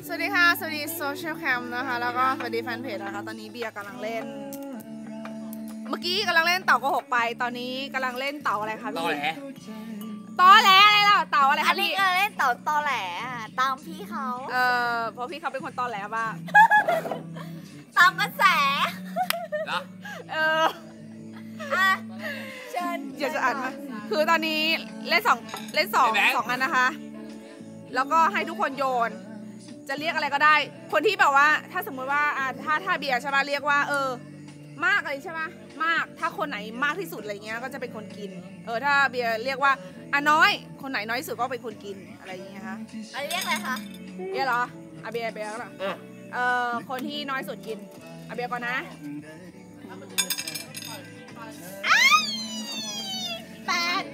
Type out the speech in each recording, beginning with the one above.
สวัสดีค่ะสวัสดีโซเชียลแคมนะคะแล้วก็สวัสดีแฟนเพจนะคะตอนนี้เบียร์กำลังเล่นเมื่อกี้กำลังเล่นเต่าโกหกไปตอนนี้กำลังเล่นเต่าอะไรคะพี่ตอแหลอะไรล่ะเต่าอะไรคะพี่เล่นเต่าตอแหลตามพี่เขาเพราะพี่เขาเป็นคนตอแหลบ้างตามกระแสนะเชิญอยากจะอ่านมาคือตอนนี้เล่นสองอันนะคะแล้วก็ให้ทุกคนโยนจะเรียกอะไรก็ได้คนที่แบบว่าถ้าสมมติว่าถ้าเบียร์ใช่ป่ะเรียกว่ามากอะไรใช่ป่ะมากถ้าคนไหนมากที่สุดอะไรเงี้ยก็จะเป็นคนกินถ้าเบียร์เรียกว่าน้อยคนไหนน้อยที่สุดก็เป็นคนกินอะไรอย่างเงี้ยคะอันนี้เรียกอะไรคะเบียร์เหรอเบียร์เหรอคนที่น้อยสุดกินเบียร์ก่อนนะ 8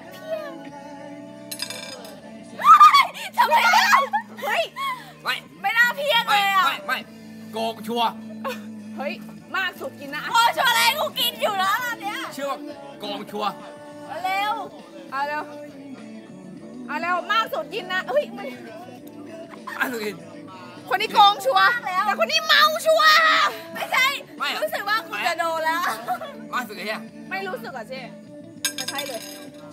ทำไมเฮ้ยไม่น่าเพี้ยนเลยอ่ะไม่โกงชัวเฮ้ยมากสุดกินนะโกงชัวอะไรกูกินอยู่แล้วอันเนี้ยเชื่อว่าโกงชัวเร็วเร็วมากสุดกินนะเฮ้ยมันกินคนนี้โกงชัวแต่คนนี้เมาชัวไม่ใช่รู้สึกว่ากูจะโดนแล้วมากสุดเลยไม่รู้สึกอ่ะเจ๊มันใช่เลย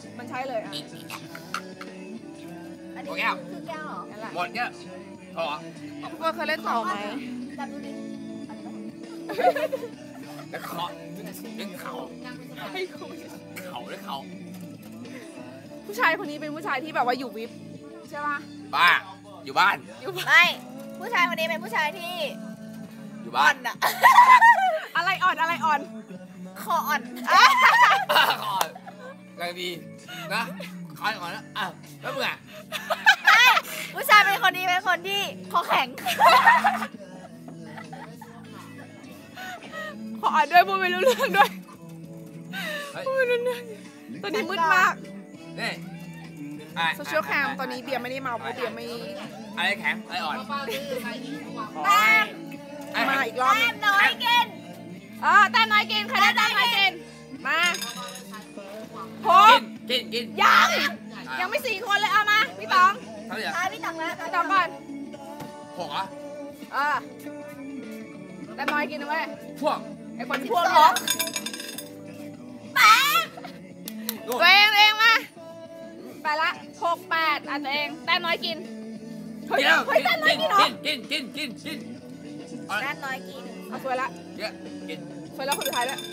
อันนี้คือแก้วเหรอหมดเนี่ยพอทุกคนเคยเล่นเต่าไหมจำดูดิแล้วเคาะเล่นเขาผู้ชายคนนี้เป็นผู้ชายที่แบบว่าอยู่วิปใช่ป่ะบ้าอยู่บ้านไม่ผู้ชายคนนี้เป็นผู้ชายที่อยู่บ้านอะอะไรอ่อนคออ่อนแรงดีนะคอยก่อนนะแล้วมึงไม่ผู้ชายเป็นคนนี้เป็นคนที่คอแข็งขออ่านด้วยพูดไม่รู้เรื่องด้วยพูดไม่รู้เรื่องตอนนี้มืดมากนี่โซเชียลแคมตอนนี้เบียร์ไม่ได้เมาเพราะเบียร์ไม่อะไรแข็งอะไรอ่อนมาอีกรอบแต้มน้อยกินแต้มน้อยกินใครได้แต้มน้อยกินมากินยังไม่4 คนเลยเอามาพี่ตองพี่ตองแล้วพี่ตองก่อน 6อ่ะแต้มน้อยกินนะเว้ยพวกไอ้คนพวกล็อกตัวเองมาไปละ6 8ตัวเองแต้มน้อยกินเฮ้ยแต้มน้อยกินเหรอกินแต้มน้อยกินเอาสวยละกินสวยแล้วคนสุดท้ายแล้ว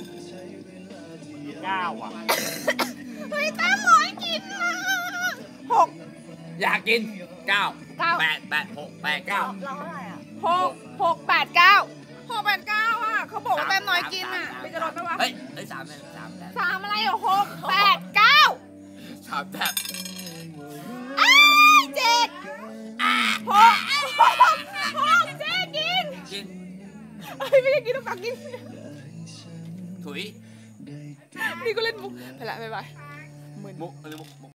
9อ่ะเฮ้ยแต้มน้อยกิน6 อยากกิน9 8 6 8 9 เราเท่าไหร่อ่ะ 6 8 9เขาบอกว่าแต้มน้อยกินไปจะลดไหมวะเฮ้ย3 อะไร6 8 9 3แบบ 7 6เจ๊กินไม่ได้กินต้องตักกินถุยนี่ก็เล่นมุกไปละบ๊ายบายมุก